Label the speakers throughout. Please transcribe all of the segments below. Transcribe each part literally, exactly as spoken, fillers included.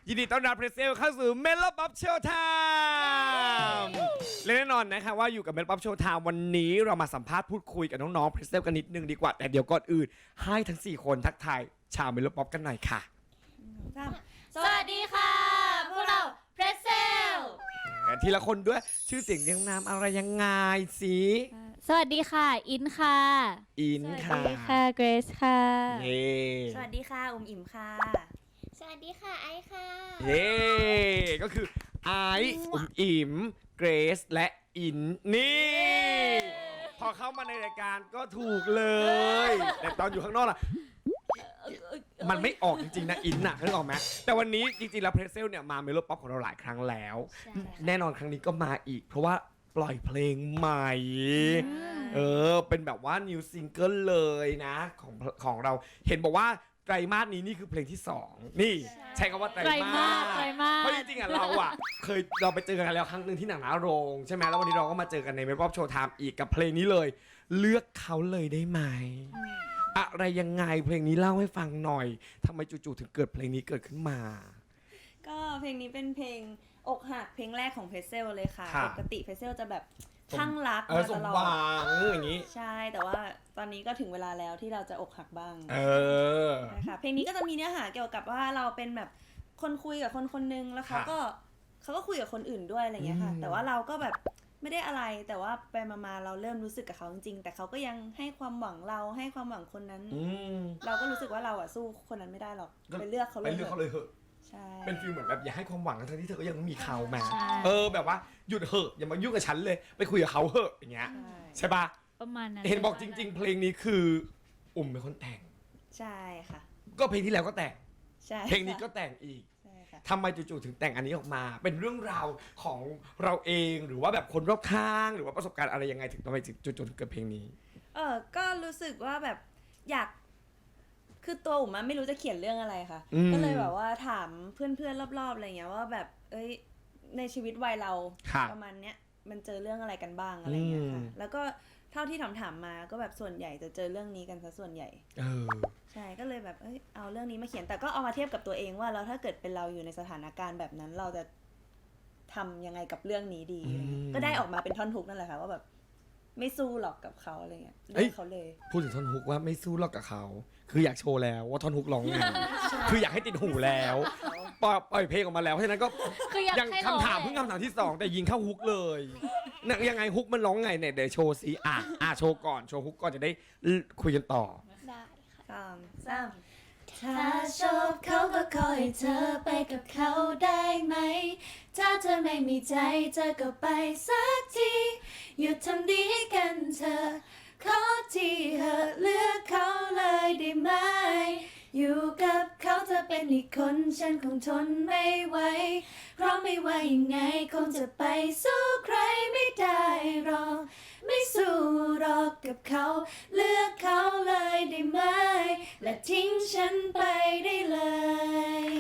Speaker 1: ยินดีต้อนรับเพรสเซลเข้าสู่เมโลป๊อปโชว์ไทม์และแน่นอนนะคะว่าอยู่กับเมโลป๊อปโชว์ไทม์วันนี้เรามาสัมภาษณ์พูดคุยกับน้องๆเพรสเซลกันนิดนึงดีกว่าแต่เดี๋ยวก่อนอื่นให้ทั้งสี่คนทักทายชาวเมโลป๊อปกันหน่อยค่ะ
Speaker 2: สวัสดีค่ะพวกเราเพรสเซล
Speaker 1: ทีละคนด้วยชื่อเสียงเรียงนามอะไรยังไงสิ
Speaker 2: สวัสดีค่ะอินค่ะ
Speaker 1: อินค่ะ
Speaker 2: สวัสดีค่ะเกรซค่ะ
Speaker 1: เย้
Speaker 3: สวัสดีค่ะอุ๋มอิ่มค่ะ
Speaker 2: สวัสดีค่ะไอซ์ค่ะ
Speaker 1: เย้ก็คือไอซ์อุ๋มอิ่มเกรซและอินนี่พอเข้ามาในรายการก็ถูกเลยแต่ตอนอยู่ข้างนอกล่ะมันไม่ออกจริงๆนะอินน่ะนึกออกไหมแต่วันนี้จริงๆแล้วเพรสเซลเนี่ยมาเมโลป๊อปของเราหลายครั้งแล้วแน่นอนครั้งนี้ก็มาอีกเพราะว่าปล่อยเพลงใหม่เออเป็นแบบว่านิวซิงเกิลเลยนะของของเราเห็นบอกว่าไตรมาสนี้นี่คือเพลงที่สองนี่ใช้คำว่าไตรมาสเพราะจริงๆอ่ะเราอ่ะเคยเราไปเจอกันแล้วครั้งหนึ่งที่หนังหน้าโรงใช่ไหมแล้ววันนี้เราก็มาเจอกันในเมโลป๊อปโชว์ไทม์อีกกับเพลงนี้เลยเลือกเขาเลยได้ไหมอะไรยังไงเพลงนี้เล่าให้ฟังหน่อยทำไมจู่ๆถึงเกิดเพลงนี้เกิดขึ้นมา
Speaker 3: ก็เพลงนี้เป็นเพลงอกหักเพลงแรกของเพรสเซลเลยค่ะปกติเพรสเซลจะแบบข้างรักมาตลอด
Speaker 1: อย่างนี้
Speaker 3: ใช่แต่ว่าตอนนี้ก็ถึงเวลาแล้วที่เราจะอกหักบ้าง
Speaker 1: เออ
Speaker 3: นะคะเพลงนี้ก็จะมีเนื้อหาเกี่ยวกับว่าเราเป็นแบบคนคุยกับคนคนนึงแล้วเขาก็เขาก็คุยกับคนอื่นด้วยอะไรเงี้ยค่ะแต่ว่าเราก็แบบไม่ได้อะไรแต่ว่าไปมาๆเราเริ่มรู้สึกกับเขาจริงๆแต่เขาก็ยังให้ความหวังเราให้ความหวังคนนั้นเราก็รู้สึกว่าเราอะสู้คนนั้นไม่ได้หรอกไปเลือกเขาเลย
Speaker 1: ไปเลือกเขาเลยเหอะ
Speaker 3: ใช่
Speaker 1: เป็นฟีลเหมือนแบบอย่าให้ความหวังทั้งที่เธอก็ยังมีเขาแม่เออแบบว่าหยุดเหอะอย่ามายุ่งกับฉันเลยไปคุยกับเขาเหอะอย่างเงี้ยใช่ปะ
Speaker 2: ประมาณนั้น
Speaker 1: เห็นบอกจริงๆเพลงนี้คืออุ่มเป็นคนแต่ง
Speaker 3: ใช่ค่ะ
Speaker 1: ก็เพลงที่แล้วก็แต่ง
Speaker 3: ใช่
Speaker 1: เพลงนี้ก็แต่งอีกทำไมจู่ๆถึงแต่งอันนี้ออกมาเป็นเรื่องราวของเราเองหรือว่าแบบคนรอบข้างหรือว่าประสบการณ์อะไรยังไงถึงทำไมจู่ๆถึงเกิดเพลงนี้
Speaker 3: เออก็รู้สึกว่าแบบอยากคือตัวอุ๋มไม่รู้จะเขียนเรื่องอะไรค่ะก็เลยแบบว่าถามเพื่อนๆรอบๆอะไรเงี้ยว่าแบบเอ้ยในชีวิตวัยเราประมาณเนี้ยมันเจอเรื่องอะไรกันบ้างอะไรเงี้ยค่ะแล้วก็เท่าที่ถามถามมาก็แบบส่วนใหญ่จะเจอเรื่องนี้กันซะส่วนใหญ่
Speaker 1: เออ
Speaker 3: ใช่ก็เลยแบบเอ้ยเอาเรื่องนี้มาเขียนแต่ก็เอามาเทียบกับตัวเองว่าแล้วถ้าเกิดเป็นเราอยู่ในสถานการณ์แบบนั้นเราจะทำยังไงกับเรื่องนี้ดีก็ได้ออกมาเป็นท่อนฮุกนั่นแหละค่ะว่าแบบไม่สู้หรอกกับเขาอะไรเงี้ยเลือกเขาเลย
Speaker 1: พูดถึงท่อนฮุกว่าไม่สู้หรอกกับเขาคืออยากโชว์แล้วว่าท่อนฮุกร้องไงคืออยากให้ติดหูแล้วปล่อยเพลงออกมาแล้วเพราะฉะนั้นก็ยังคำถามเพิ่งคำถามที่สองแต่ยิงเข้าฮุกเลยนั่นยังไงฮุกมันร้องไงเนี่ยเดี๋ยวโชว์สิอ่ะอ่ะโชว์ก่อนโชว์ฮุกก่อนจะได้คุยกันต่อ
Speaker 2: ได้
Speaker 3: ค่ะสาม
Speaker 2: ถ้าชอบเขาก็ขอให้เธอไปกับเขาได้ไหมถ้าเธอไม่มีใจเธอก็ไปสักทีหยุดทำดีให้กันเธอขอทีเหอะเลือกเขาเลยได้ไหมอยู่กับเขาเธอเป็นอีกคนฉันคงทนไม่ไหวเพราะไม่ว่ายังไงคงจะไปสู้ใครไม่ได้หรอกไม่สู้หรอกกับเขาเลือกเขาเลยได้ไหมและทิ้งฉันไปได้เลย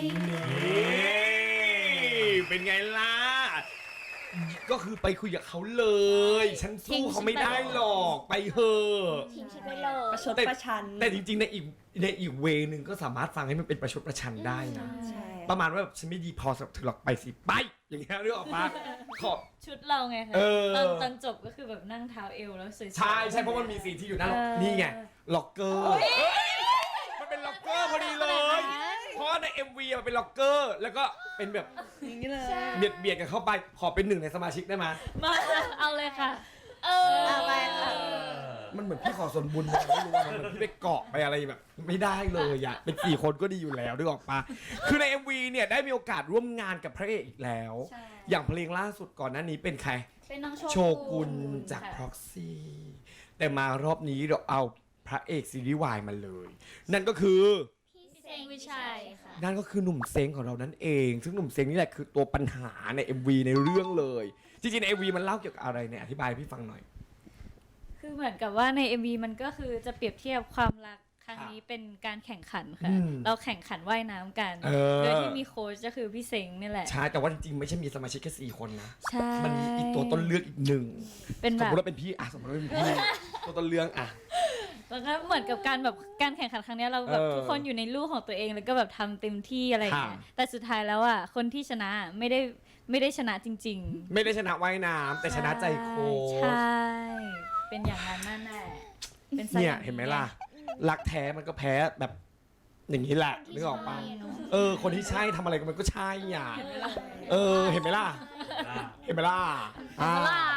Speaker 1: เป็นไงล่ะก็คือไปคุยกับเขาเลยฉันสู้เขาไม่ได้หรอกไปเถอะ
Speaker 2: ทิ้งฉันไปเลย
Speaker 3: ประชดประชัน
Speaker 1: แต่จริงๆในอีกในอีกเวนึงก็สามารถฟังให้มันเป็นประชดประชันได้นะประมาณว่าแบบฉันไม่ดีพอสำหรับเธอหรอกไปสิไปอย่างเงี้ยเรื่องออกมาขอ
Speaker 2: ชุดเราไงคะตอนตอนจบก็คือแบบนั่งเท้าเอวแล้วสวยๆ
Speaker 1: ใช่ใช่เพราะมันมีซีนที่อยู่นั่นนี่ไงล็อกเกอร์มันเป็นล็อกเกอร์พอดีเลยเพราะใน เอ็ม วี มันเป็นล็อกเกอร์แล้วก็เป็นแบบ
Speaker 3: อย่างนี้เลย
Speaker 1: เบียดเบียดกันเข้าไปขอเป็นหนึ่งในสมาชิกได้ไหม
Speaker 2: มาเอาเลยค่ะเออเอาไปค่ะ
Speaker 1: มันเหมือนพี่ขอส่วนบุญไม่รู้ว่ามันเหมือนพี่ไปเกาะไปอะไรแบบไม่ได้เลยอะเป็นสี่คนก็ดีอยู่แล้วด้วยออกปะคือใน เอ็ม วี เนี่ยได้มีโอกาสร่วมงานกับพระเอกอีกแล้วอย่างเพลงล่าสุดก่อนหน้านี้เป็นใคร
Speaker 2: เป็นน้อง
Speaker 1: โชกุนจาก Proxy แต่มารอบนี้เราเอาพระเอกซีรีส์วายมาเลยนั่นก็คือ
Speaker 2: พี่เซ้งวิชัยค่ะ
Speaker 1: นั่นก็คือหนุ่มเซ้งของเรานั่นเองซึ่งหนุ่มเซ้งนี่แหละคือตัวปัญหาใน เอ็ม วี ในเรื่องเลยจริงๆใน เอ็ม วี มันเล่าเกี่ยวกับอะไรเนี่ยอธิบายให้พี่ฟังหน่อย
Speaker 2: คือเหมือนกับว่าใน เอ็ม วี มันก็คือจะเปรียบเทียบความรักครั้งนี้เป็นการแข่งขันค่ะเราแข่งขันว่ายน้ำกันโดยที่มีโค้ชก็คือพี่เซ้งนี่แหละ
Speaker 1: ใช่แต่ว่าจริงๆไม่ใช่มีสมาชิกแค่สี่คนนะ
Speaker 2: ใช่
Speaker 1: มันมีอีกตัวต้นเรื่องอีกหนึ่ง
Speaker 2: เป็นแบบ
Speaker 1: สมมติว่าเป็นพี่อ่ะสมมติว่าเป็นพี่ตัวต้นเรื่องอ่ะ
Speaker 4: แล้วก็เหมือนกับการแบบการแข่งขันครั้งเนี้ยเราแบบ
Speaker 1: เออ
Speaker 4: ทุกคนอยู่ในลู่ของตัวเองแล้วก็แบบทำเต็มที่อะไรอย่างเงี้ย
Speaker 1: ค่ะ
Speaker 4: แต่สุดท้ายแล้วอ่ะคนที่ชนะไม่ได้ไม่ได้ชนะจริง
Speaker 1: ไม่ได้ชนะว่ายน้ำ
Speaker 4: ๆ
Speaker 1: แต่ชนะใจโค้ช
Speaker 4: ใช่เป็นอย่างนั้นนั่นแหละเป็นสัตว์
Speaker 1: เนี่ย
Speaker 4: อย่าง
Speaker 1: เห็นไหมล่ะ รักแท้มันก็แพ้แบบอย่างนี้แหละนึกออกปะเออ คนที่ใช่ทำอะไรมันก็ใช่อ่ะเออ เห็นไหมล่ะ เห็นไหมล่ะอ่า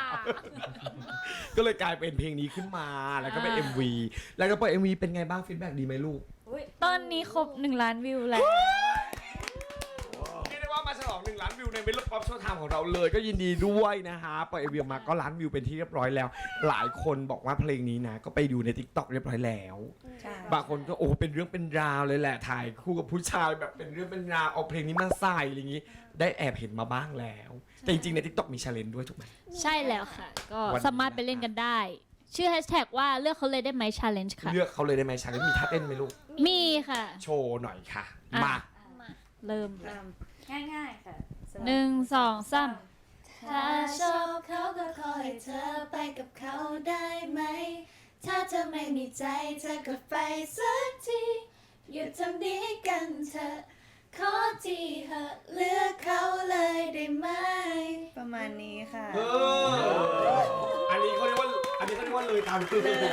Speaker 1: ก็เลยกลายเป็นเพลงนี้ขึ้นมาแล้วก็เป็น เอ็ม วี แล้วก็ปล่อย เอ็ม วี เป็นไงบ้างฟีดแบ็กดีไหมลูก
Speaker 4: ตอนนี้ครบหนึ่งล้านวิวแล้ว
Speaker 1: เรียกได้ว่ามาฉลองหนึ่งล้านวิวในเวลป๊อปโชว์ไทม์ของเราเลยก็ยินดีด้วยนะฮะปล่อยเอวีออกมาก็ล้านวิวเป็นที่เรียบร้อยแล้ว หลายคนบอกว่าเพลงนี้นะก็ไปดูใน TikTok เรียบร้อยแล้ว
Speaker 3: ใช่
Speaker 1: บางคนก็โอ้เป็นเรื่องเป็นราวเลยแหละถ่ายคู่กับผู้ชายแบบเป็นเรื่องเป็นราวเอาเพลงนี้มาใส่อะไรอย่างนี้ ได้แอบเห็นมาบ้างแล้ว แต่จริงๆใน TikTok มี challenge ด้วยถูกไหม
Speaker 4: ใช่แล้วค่ะ ก็
Speaker 1: วันนี้
Speaker 4: สามารถไปเล่นกันได้ ชื่อแฮชแท็กว่าเลือกเขาเลยได้ไหม challenge ค่ะ
Speaker 1: เลือกเขาเลยได้ไหม challenge มีท่าเต้นไหมลูก
Speaker 4: มีค่ะ
Speaker 1: โชว์หน่อยค่ะ
Speaker 4: อ่ะ
Speaker 1: มา
Speaker 4: เริ่ม
Speaker 3: เริ่มง่ายๆค่ะ
Speaker 4: หนึ่งสองสาม
Speaker 2: ถ้าชอบเขาก็ขอให้เธอไปกับเขาได้ไหม ถ้าเธอไม่มีใจเธอก็ไปสักทีหยุดทำดีให้กันเธอะขอทีเหอะเลือกเขาเลยได้ไหม
Speaker 3: ประมาณนี้ค่ะ
Speaker 1: เอออันนี้เขาเรียกว่าอันนี้เขาเรียกว่าเลยตามคือเลย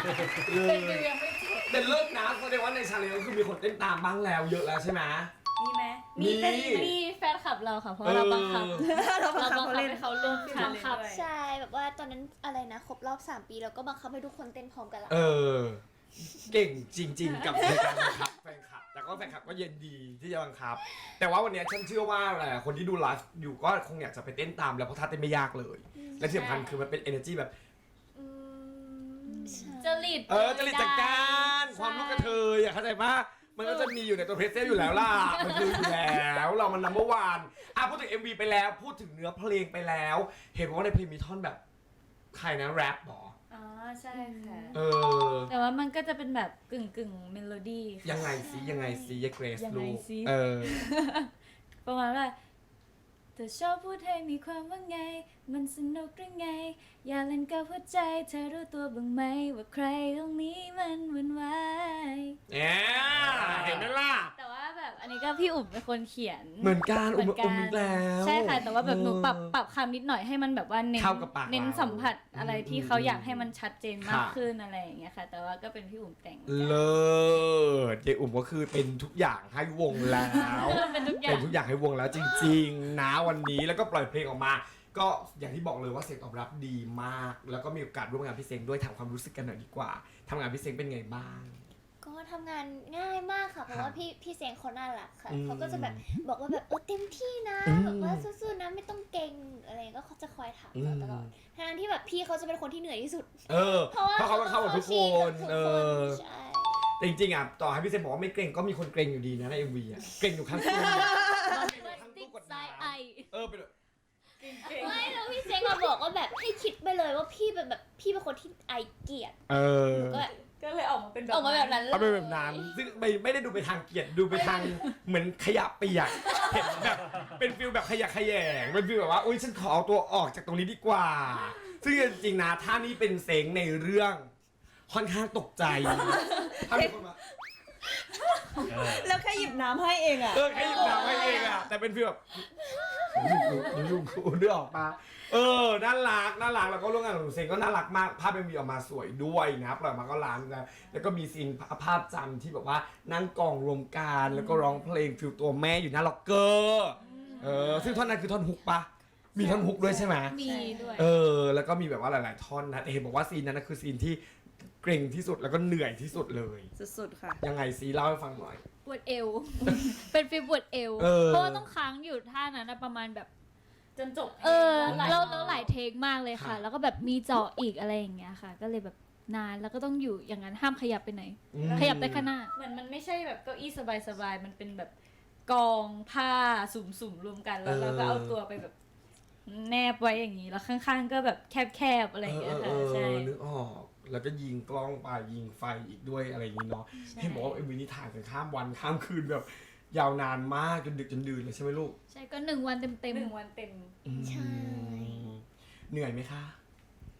Speaker 1: แต่เลิกนะแสดงว่าใน challenge ก็คือมีคนเต้นตามบ้างแล้วเยอะแล้วใช่ไหม
Speaker 3: มีไหม
Speaker 1: มี
Speaker 4: มีแฟนคลับเราค่ะ เพราะว่าเราบังคับ
Speaker 3: เราบัง
Speaker 4: เรา
Speaker 3: คับ
Speaker 4: บัง
Speaker 3: เขา
Speaker 4: คับ
Speaker 3: เล่น
Speaker 4: ให้เขาร่วม
Speaker 3: บัง
Speaker 4: challenge
Speaker 3: คับ
Speaker 4: ด้วย
Speaker 2: ใช่แบบว่าตอนนั้นอะไรนะครบรอบสามปีแล้วก็บังคับให้ทุกคนเต้นพร้อมกันแล้ว
Speaker 1: เออ เก่งจริง ๆ กับในการบังคับแฟนคลับ แต่ก็แฟนคลับก็เย็นดีที่จะบังคับ แต่ว่าวันนี้ฉันเชื่อว่าหลายๆคนที่ดูไลฟ์อยู่ก็คงอยากจะไปเต้นตามแล้วเพราะท่าเต้นไม่ยากเลย และที่สำคัญคือมันเป็น energy แบบ
Speaker 2: อืมใช่
Speaker 4: จริต
Speaker 1: เออจริตจักการความลูกกระเทยอ่ะเข้าใจปะมันก็จะมีอยู่ในตัวเพรสเซลอยู่แล้วล่ะ มันคืออยู่แล้วเรามันนัมเบอร์วันอ่ะพูดถึง เอ็ม วี ไปแล้วพูดถึงเนื้อเพลงไปแล้ว เห็นว่าในเพลงมีท่อนแบบใครนะแรปหรอ
Speaker 4: อ๋อใช่ค่ะ
Speaker 1: เออ
Speaker 4: แต่ว่ามันก็จะเป็นแบบกึ่งกึ่งเมโลดี้
Speaker 1: ยังไงสิยังไงสิยายเกรซ
Speaker 4: ยังไง
Speaker 1: ลูก
Speaker 4: สิ
Speaker 1: เออ
Speaker 4: ประมาณว่าเธอชอบพูดให้มีความว่าไง มันสนุกหรือไง อย่าเล่นกับหัวใจ เธอรู้ตัวบ้างไหม ว่าใครตรงนี้มันวุ่นวาย
Speaker 1: เนี่ยเห็นไหมล่ะ
Speaker 4: แต่ว่าแบบอันนี้ก็พี่อุ๋มเป็นคนเขียน
Speaker 1: เหมือนกัน
Speaker 4: เห
Speaker 1: อุ้
Speaker 4: มื
Speaker 1: ม
Speaker 4: อนกั
Speaker 1: อุ้มอีกแล้ว
Speaker 4: ใช่ค่ะ แต่ว่าแบบหนูปรับ
Speaker 1: เออ
Speaker 4: ปรับคำนิดหน่อยให้มันแบบว่าเน้น
Speaker 1: เข้ากับปาก
Speaker 4: เน้น
Speaker 1: เรา
Speaker 4: สัมผัสอะไรที่เขา
Speaker 1: อืม
Speaker 4: อยากให้มันชัดเจนมาก
Speaker 1: ค่ะ
Speaker 4: ขึ้นอะไรอย่างเงี้ยค่ะ แต่ว่าก็เป็นพี่อุ๋มแต่ง
Speaker 1: เลิศเจอุ่มก็คือเป็นทุกอย่างให้วงแล้ว
Speaker 4: เป็นทุกอย่า
Speaker 1: เป็
Speaker 4: ง
Speaker 1: นทุกอย่างให้วงแล้วจริงๆนะวันนี้แล้วก็ปล่อยเพลงออกมา ก็อย่างที่บอกเลยว่าเสียงตอบรับดีมาก แล้วก็มีโอกาสร่วมงานพี่เซ็งด้วยถามความรู้สึกกันหน่อยดีกว่าทำงานพี่เซ็งเป็นไงบ้าง
Speaker 2: ก็ทำงานง่ายมากค่ะ เพราะ
Speaker 1: ครับ
Speaker 2: ว่าพี่พี่เสียงเขาน่ารักค่ะ
Speaker 1: อืม
Speaker 2: เขาก็จะแบบบอกว่าแบบเออเต็มที่นะ
Speaker 1: อืม
Speaker 2: แบบว่าสู้ๆนะไม่ต้องเก่งอะไรอย่างเงี้ยก็เขาจะคอยถามเราตลอดทั้งที่แบบพี่เขาจะเป็นคนที่เหนื่อยที่สุด
Speaker 1: เออ
Speaker 2: เพราะว่า
Speaker 1: เพราะเขาต้องเข้ากับทุกคน
Speaker 2: เขา
Speaker 1: เอ
Speaker 2: ต้อง
Speaker 1: อ
Speaker 2: ใช่
Speaker 1: แต่จริงๆอ่ะต่อให้พี่เซ็งบอกว่าไม่เกรงก็มีคนเกรงอยู่ดีนะใน เอ็ม วี อ่ะเกรงอยู่ข้างตู้ตู้กดน้ำเออเป็นแบบ
Speaker 2: ไม่แล้วพี่เซงมาบอกว่าแบบให้คิดไปเลยว่าพี่เป็นแบบพี่เป็นคนที่ไอเกลียด
Speaker 1: เออ
Speaker 2: ก็
Speaker 3: ก็เลยออกมาเป็นแบบ
Speaker 2: ออกมาแบบนั้นเลย
Speaker 1: เอาเป็นแบบนั้นซึ่งไม่ไม่ได้ดูไปทางเกลียดดูไปทางเหมือนขยะเปียกเห็นแบบเป็นฟิลแบบขยะแขยงเป็นฟิลแบบว่าอุ้ยฉันขอเอาตัวออกจากตรงนี้ดีกว่า ซึ่งจริงๆนะถ้านี่เป็นเซ็งในเรื่องค่อนข้างตกใจถ้ามีคนมา
Speaker 3: แล้วแค่หยิบน้ำให้เองอ่ะ
Speaker 1: เออแค่หยิบน้ำให้เองอะแต่เป็นฟีลแบบลุงกูเลือกออกมาเออน่ารักน่ารักแล้วก็ร่วมงานกับหนูเซงก็น่ารักมากภาพเป็นมีออกมาสวยด้วยนะปล่อยมาก็ล้านนะแล้วก็มีซีนภาพจำที่แบบว่านั่งกองรวมกันแล้วก็ร้องเพลงฟิลตัวแม่อยู่หน้าล็อกเกอร์เออซึ่งท่อนนั้นคือท่อนฮุกปะมีท่อนฮุกด้วยใช่ไหม
Speaker 4: มีด้วย
Speaker 1: เออแล้วก็มีแบบว่าหลาย ๆ ท่อนนะแต่เห็นบอกว่าซีนนั้นนะคือซีนที่เกรงที่สุดแล้วก็เหนื่อยที่สุดเลย
Speaker 3: สุดๆค่ะ
Speaker 1: ยังไงซีเล่าให้ฟังหน่อย
Speaker 4: ปวดเอว เป็นฟีลปวดเอว
Speaker 1: เออ
Speaker 4: เพราะว่าต้องค้างอยู่ท่านั้นนะประมาณแบบ
Speaker 3: จนจบ
Speaker 4: เออ
Speaker 3: หลาย
Speaker 4: แล้ว
Speaker 3: รอบ
Speaker 4: แล้วหลายเทคมากเลยค่ะ
Speaker 1: ค่ะ
Speaker 4: แล้วก็แบบมีเจาะอีกอะไรอย่างเงี้ยค่ะ ก็เลยแบบนานแล้วก็ต้องอยู่อย่างนั้นห้ามขยับไปไหน
Speaker 1: อืม
Speaker 4: ขยับได้แค่หน้าเหมือนมันไม่ใช่แบบเก้าอี้สบายๆ มันเป็นแบบกองผ้าสุ่มๆรวมกันแล้วเราก็เอาตัวไปแบบแนบไว้อย่างนี้แล้วข้างๆ ก็แบบแคบๆอะไรอย่างเงี้ยค่ะ
Speaker 1: เออ
Speaker 4: ใช่
Speaker 1: เออนึกออก แล้วก็ยิงกล้องไปยิงไฟอีกด้วยอะไรอย่างนี้เนาะเห็นบอกว่าเอ็มวีนี้ถ่ายกันข้ามวันข้ามคืนแบบ ยาวนานมากจนดึกจนดื่นเลยใช่ไหมลูก
Speaker 4: ใช่ก็หนึ่งวันเต็ม
Speaker 3: หนึ่งวันเต็ม
Speaker 1: อืม
Speaker 2: ใช่
Speaker 1: เหนื่อยไหมคะ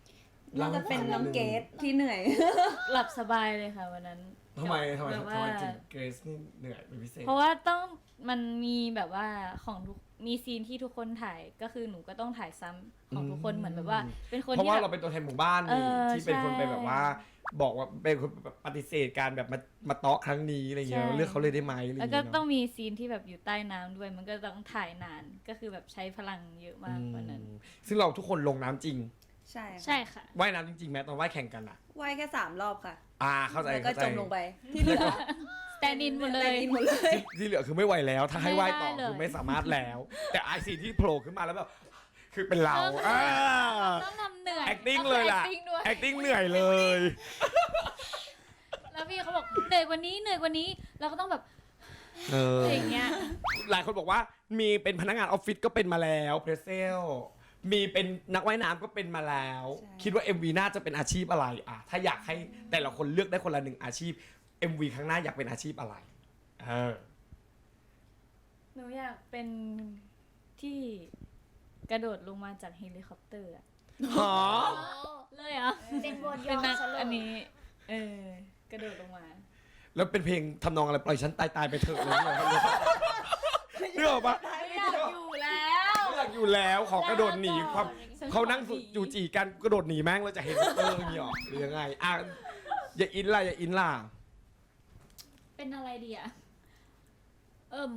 Speaker 3: น่าจะเป็นน้องเกดที่เหนื่อย
Speaker 4: หลับสบายเลยค่ะวันนั้น
Speaker 1: ทำไมทำไม
Speaker 4: แบบ
Speaker 1: ทำ
Speaker 4: ว่า
Speaker 1: ไมถึงเกรซนี่เหนื่อยเป็นพิเศษ
Speaker 4: เพราะว่าต้องมันมีแบบว่าของทุกมีซีนที่ทุกคนถ่ายก็คือหนูก็ต้องถ่ายซ้ำของทุกคนเหมือนแบบว่า เป็นคน
Speaker 1: เพราะ
Speaker 4: ที่
Speaker 1: ว่า
Speaker 4: แบ
Speaker 1: เรา
Speaker 4: บ
Speaker 1: เป็นตัวแทนหมู่บ้าน
Speaker 4: เอ
Speaker 1: นี่
Speaker 4: อ
Speaker 1: ที่เป็นคน
Speaker 4: ใช่
Speaker 1: ไปแบบว่า บอกว่าเป็นคนแบบปฏิเสธการแบบมามาเตาะครั้งนี้อะไรเงี้ย
Speaker 4: ใช่
Speaker 1: เลือกเขาเลยได้ไหมอะไร
Speaker 4: แล้ว
Speaker 1: เงี้ย
Speaker 4: ก็ต้องมีซีนที่แบบอยู่ใต้น้ำด้วย มันก็ต้องถ่ายนานก็คือแบบใช้พลังเยอะมากวันนั้น
Speaker 1: อืมซึ่งเราทุกคนลงน้ำจริง
Speaker 3: ใช่ค่ะ
Speaker 4: ใช่ค่ะ
Speaker 1: ว่ายน้ำจริงๆแม้ตอนว่ายแข่งกันอ่ะ
Speaker 3: ว่ายแค่สามรอบค่ะ
Speaker 1: อ่าเข้าใจ
Speaker 3: แล้วก็
Speaker 1: เข้าใจ
Speaker 3: จมลงไป ที่เหลือ
Speaker 4: แตนดินหมดเลย
Speaker 3: แตนดินหมดเลย
Speaker 1: ที่เหลือคือไม่ไหวแล้ว ถ้าให้ว่ายต่อ
Speaker 4: ไม่ได้เลย
Speaker 1: คือไม่สามารถแล้ว แต่ไอซีนที่โผล่ขึ้นมาแล้วแบบคือเป็นเราอ่า
Speaker 4: ต้องทำเหนื่อย
Speaker 1: acting เลยล่ะ
Speaker 4: acting ด้วย
Speaker 1: acting เหนื่อยเลย
Speaker 4: แล้วพี่เขาบอกเหนื่อยกว่านี้เหนื่อยกว่านี้เราก็ต้องแบบ
Speaker 1: เออ
Speaker 4: อะไรอย่างเงี้ย
Speaker 1: หลายคนบอกว่ามีเป็นพนักงานออฟฟิศก็เป็นมาแล้วเพรสเซลมีเป็นนักว่ายน้ำก็เป็นมาแล้ว
Speaker 3: ใช่
Speaker 1: คิดว่า เอ็ม วี น่าจะเป็นอาชีพอะไรอ่ะถ้าอยากให้แต่ละคนเลือกได้คนละหนึ่งอาชีพ เอ็ม วี ครั้งหน้าอยากเป็นอาชีพอะไรเออ
Speaker 4: หนูอยากเป็นที่กระโดดลงมาจากเฮลิคอปเตอร์อะ
Speaker 1: หอ
Speaker 4: เลยเหรอ่ะ
Speaker 2: เป็นบนย
Speaker 4: เป็น
Speaker 2: อ
Speaker 4: นัก
Speaker 2: ซะเลย
Speaker 4: อันนี้เออกระโดดลงมา
Speaker 1: แล้วเป็นเพลงทำนองอะไรปล่อยฉันตายตายๆไปเถอะเลยเนี่ยเรื่องปะ
Speaker 4: ไม่อยากอยู่แล้ว
Speaker 1: ไม่อยากอยู่แล้วขอกระโดดหนีความเขานั่งจูจีกันกระโดดหนีแม่งเราจะเห็นเอออย่างนี้หรอหรือยังไงอ่ะอย่าอินล่ะอย่าอินล่ะ
Speaker 4: เป็นอะไรดีอ่ะเอิ่ม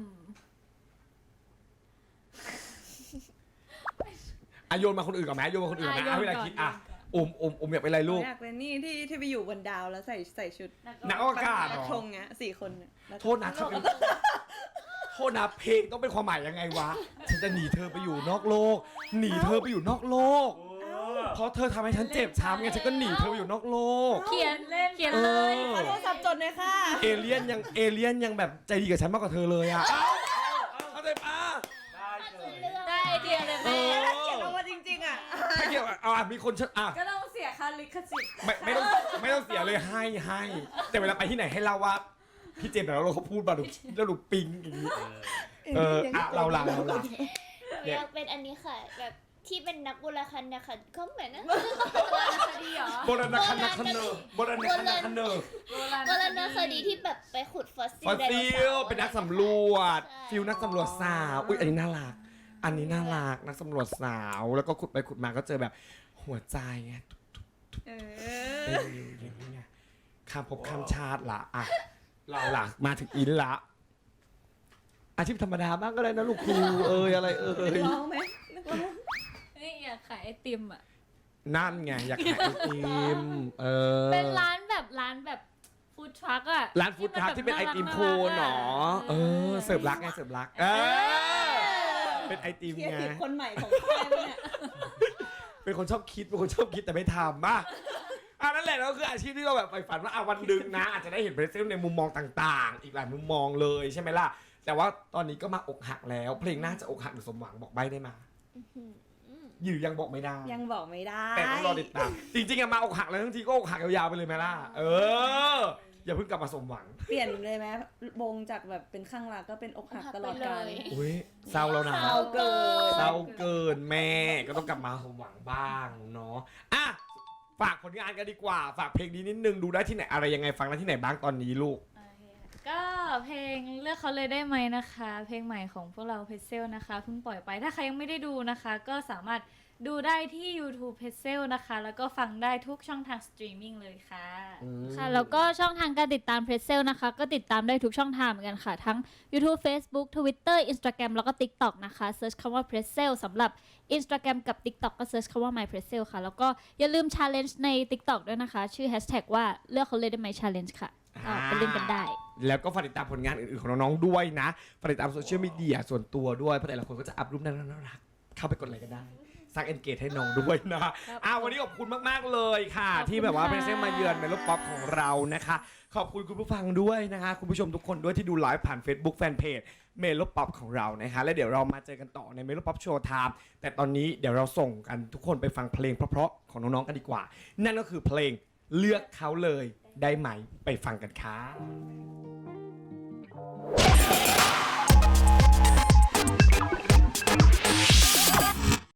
Speaker 1: อ่ะโยนมาคนอื่นก่อนไหมโยนมาคนอื่นก่อนไหม
Speaker 4: อ่ะ
Speaker 1: เอาเวลา
Speaker 4: โยนก่อน
Speaker 1: คิดอ่ะ
Speaker 4: โยนก่อน
Speaker 1: อมอมอมอยากเป็นอะไรลูก
Speaker 3: อยากเป็นนี่ที่ที่ไปอยู่บนดาวแล้วใส่ใส่ชุด
Speaker 1: นักอวกาศเหรอ
Speaker 3: ธงเงี้ยสี่คนเนี่ยแล้วก็
Speaker 1: โทษนะเธอเป็นโทษนะเพลงต้องเป็นความหมายยังไงวะ ฉันจะหนีเธอไปอยู่นอกโลก หนีเธอไปอยู่นอกโลก เพราะเธอทำให้ฉันเจ็บช้ำไงฉันก็หนีเธอไปอยู่นอกโลก
Speaker 4: เขียนเล่นเขียนเลย
Speaker 1: เออ
Speaker 3: ขอโทรศัพท์จดเลยค่ะ
Speaker 1: เอเลี่ยนยังเอเลี่ยนยังแบบใจดีกับฉันมากกว่าเธอเลยอ่ะเข้าใจปะ
Speaker 4: ได้ไอเดียเลย
Speaker 1: เอ
Speaker 4: แม่
Speaker 1: อ
Speaker 3: เขียนลงมาจริงๆอ่ะ
Speaker 1: ไม่เกี่ยวอ่ะเอาอ่ะมีคนเชิญอ่ะ
Speaker 3: ก็ต้องเสียค่าลิขสิทธิ์
Speaker 1: ไม่ไม่ต้องไม่ต้องเสียเลยให้ให้แต่เวลาไปที่ไหนให้เล่าว่าพี่เจมส์แต่เราเขาพูดมาดูแล้วดูปิงอย่างนี้เอออ่ะเราหลังเราหลัง
Speaker 2: อยากเป็นอันนี้ค่ะ แบบที่เป็นนักโบราณคดีค่ะเขาเหมือนนะ
Speaker 4: คดีเหรอ
Speaker 1: โบราณคดีคันเนอร์โบราณคดีคันเนอร์
Speaker 2: โบราณคดีที่แบบไปขุดฟอสซิล
Speaker 1: ฟอส
Speaker 2: ได
Speaker 1: ซิ
Speaker 2: โนเสา
Speaker 1: ล
Speaker 2: ร์
Speaker 1: เป็นนักสำรวจ
Speaker 2: ใช่
Speaker 1: ฟิลนักสำรวจสาว อุ้ยอันนี้น่ารัก อันนี้น่ารักนักสำรวจสาว แล้วก็ขุดไปขุดมาก็เจอแบบหัวใจไง
Speaker 3: เอ
Speaker 1: เต้นอยู่อย่างนี้ไงข้ามภพข้ามชาติละอ่ะเราล่ะมาถึงอินละ อาชีพธรรมดาบ้างก็ได้นะลูกครูเอ้ยอะไรเอ้ย
Speaker 3: ร้องไหมนึกว่า
Speaker 4: เฮ้ยอยากขายไอติมอ่ะ
Speaker 1: นั่นไงอยากขายไอติมเออ
Speaker 4: เป็นร้านแบบร้านแบบฟู้ดทรัคอะ
Speaker 1: ร้านฟู้ดทรัคที่เป็นไอติมโคนเหรอเออเสิร์ฟรักไงเสิร์ฟรักเออเป็นไอติม
Speaker 3: เคียร์
Speaker 1: ไง
Speaker 3: ทีฟคนใหม่ของค่ายปะเนี่ย
Speaker 1: เป็นคนชอบคิดเป็นคนชอบคิดแต่ไม่ทำอ่ะอ่ะนั่นแหละก็คืออาชีพที่เราแบบใฝ่ฝันว่าอ่ะวันหนึ่งนะ อาจจะได้เห็นเพรสเซลในมุมมองต่างๆ อีกหลายมุมมองเลยใช่ไหมล่ะแต่ว่าตอนนี้ก็มาอกหักแล้ว เพลงน่าจะอกหักหรือสมหวังบอกใบ้ได้มาหรือยังบอกไม่ได้
Speaker 3: ยังบอกไม่ได้
Speaker 1: แต่ต้องรอติดตามจริงๆอะมาอกหักแล้วทั้งทีก็อกหักยาวๆไปเลยไหมล่ะเออ อย่าเพิ่งกลับมาสมหวัง
Speaker 3: เปลี่ยนเลยไหมวงจากแบบเป็นข้างรักก็เป็นอกหักตลอดกาล
Speaker 1: อุ้ยเศร้าแล้วนะ
Speaker 3: เศร้าเกิน
Speaker 1: เศร้าเกินแม่ก็ต้องกลับมาสมหวังบ้างเนาะอ่ะฝากผลงานกันดีกว่า ฝากเพลงนี้นิดนึงดูได้ที่ไหนอะไรยังไงฟังได้ที่ไหนบ้างตอนนี้ลูก
Speaker 4: โอเคค่ะก็เพลงเลือกเขาเลยได้ไหมนะคะ เพลงใหม่ของพวกเราเพเซลนะคะเพิ่งปล่อยไปถ้าใครยังไม่ได้ดูนะคะ ก็สามารถดูได้ที่ YouTube เพเซลนะคะ แล้วก็ฟังได้ทุกช่องทางสตรีมมิ่งเลยค่ะ
Speaker 5: ค่ะแล้วก็ช่องทางการติดตามเพรสเซลนะคะก็ติดตามได้ทุกช่องทางเหมือนกันค่ะ ทั้ง YouTube Facebook Twitter Instagram แล้วก็ TikTok นะคะเซิร์ชคำว่าเพรสเซลสำหรับ Instagram กับ TikTok ก็เซิร์ชคำว่า My p r e s s e l ค่ะ แล้วก็อย่าลืม Challenge ใน TikTok ด้วยนะคะ ชื่อ Hashtag ว่าเลือกเขาเลยได้ไหม Challenge ค่ะอ่าไปเล่นกันได้
Speaker 1: แล้วก็ฝากติดตามผลงานอื่นๆของน้องๆด้วยนะฝากติดตามโซเชียลมีเดียส่วนตัวด้วยเพราะแต่ละคนก็จะอัพรูปน่ารักๆเข้าไปกดไลค์กันได้สร้างเอนเกจให้น้องด้วยนะอ่าวันนี้ขอบคุณมากๆเลยค่ะ ที่แบบว่าเพรสเซลมาเยือนเมโลป๊อปของเรานะคะขอบคุณคุณผู้ฟังด้วยนะคะคุณผู้ชมทุกคนด้วยที่ดูไลฟ์ผ่าน Facebook Fanpage เมโลป๊อปของเรานะคะและเดี๋ยวเรามาเจอกันต่อในเมโลป๊อปโชว์ไทม์แต่ตอนนี้เดี๋ยวเราส่งกันทุกคนไปฟังเพลงเพราะๆของน้องๆกันดีกว่านั่นก็คือเพลงเลือกเขาเลยได้ไหมไปฟังกันค่ะ